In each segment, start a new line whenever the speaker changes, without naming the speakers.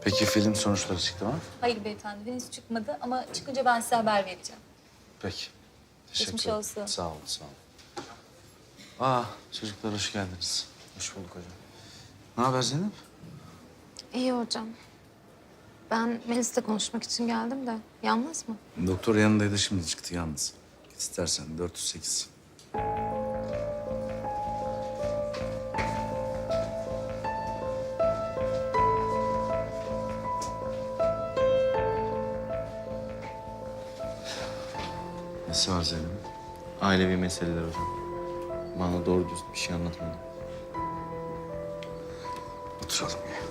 Peki film sonuçları çıktı mı?
Hayır beyefendi, henüz çıkmadı ama çıkınca ben size haber vereceğim.
Peki. Teşekkür
Geçmiş
ederim.
olsun.
Sağ olun, sağ olun. Aa, çocuklar hoş geldiniz.
Hoş bulduk hocam.
Ne haber Zeynep?
İyi hocam. Ben Melis'le konuşmak için geldim de. Yalnız mı?
Doktor yanındaydı, şimdi çıktı yalnız. Git istersen 408. Nesi var Zeynep?
Ailevi meseleler hocam. Bana doğru düz bir şey anlatmadı.
Oturalım ya.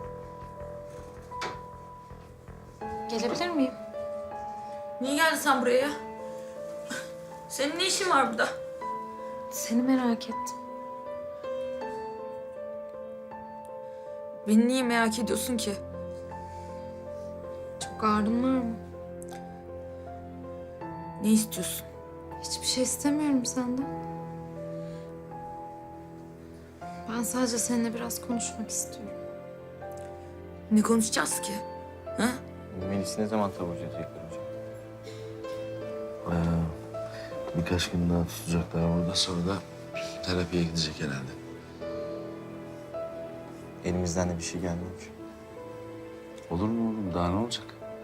Gelebilir miyim?
Niye geldin sen buraya ya? Senin ne işin var burada?
Seni merak ettim.
Beni niye merak ediyorsun ki?
Çok ağrın var mı?
Ne istiyorsun?
Hiçbir şey istemiyorum senden. Ben sadece seninle biraz konuşmak istiyorum.
Ne konuşacağız ki? Ha?
Melis'i ne zaman taburcu edecekler hocam?
Birkaç gün daha tutacaklar burada, sonra da terapiye gidecek herhalde.
Elimizden de bir şey gelmiyor ki.
Olur mu oğlum? Daha ne olacak?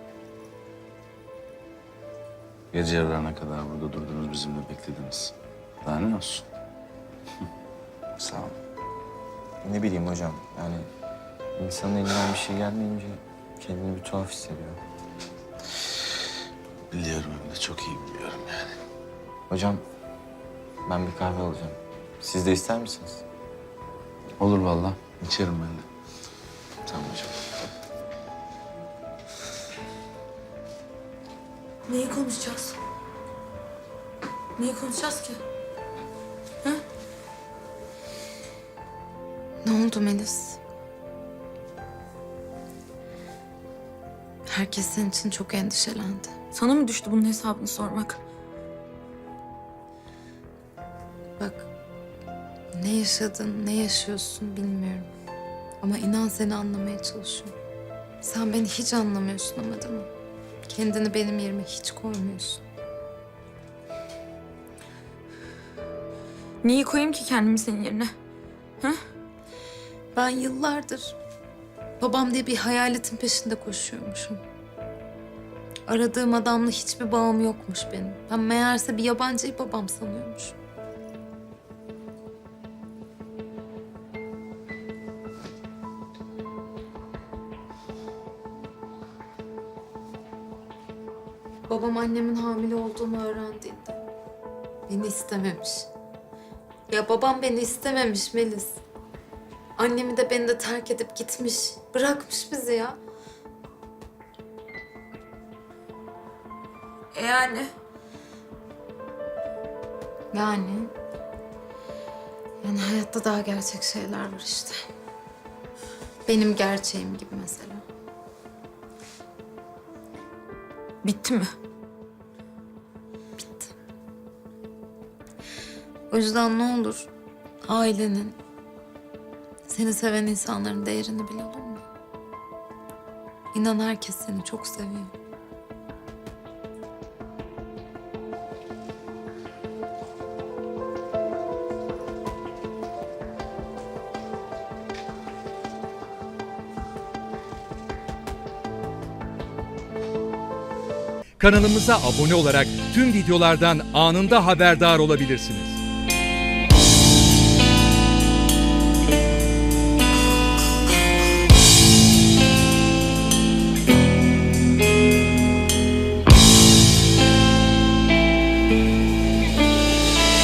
Gece yarılarına kadar burada durdunuz, bizimle beklediniz. Daha ne olsun? Sağ olun.
Ne bileyim hocam, yani insanın elinden bir şey gelmeyince kendini bir tuhaf hissediyor.
Biliyorum, hem de çok iyi biliyorum yani.
Hocam, ben bir kahve alacağım. Siz de ister misiniz?
Olur vallahi. İçerim ben de.
Tamam hocam.
Neyi konuşacağız? Neyi konuşacağız ki?
Ne oldu Melis? Herkes senin için çok endişelendi.
Sana mı düştü bunun hesabını sormak?
Bak, ne yaşadın, ne yaşıyorsun bilmiyorum. Ama inan seni anlamaya çalışıyorum. Sen beni hiç anlamıyorsun ama değil mi? Kendini benim yerime hiç koymuyorsun.
Neyi koyayım ki kendimi senin yerine?
Ben yıllardır babam diye bir hayaletin peşinde koşuyormuşum. Aradığım adamla hiçbir bağım yokmuş benim. Ben meğerse bir yabancıyı babam sanıyormuşum. Babam annemin hamile olduğumu öğrendiğinde beni istememiş. Ya babam beni istememiş Melis. Annemi de beni de terk edip gitmiş. Bırakmış bizi ya.
Yani
Yani hayatta daha gerçek şeyler var işte. Benim gerçeğim gibi mesela.
bitti mi?
Bitti. O yüzden ne olur ailenin, seni seven insanların değerini bil, olur mu? İnan herkes seni çok seviyor.
Kanalımıza abone olarak tüm videolardan anında haberdar olabilirsiniz.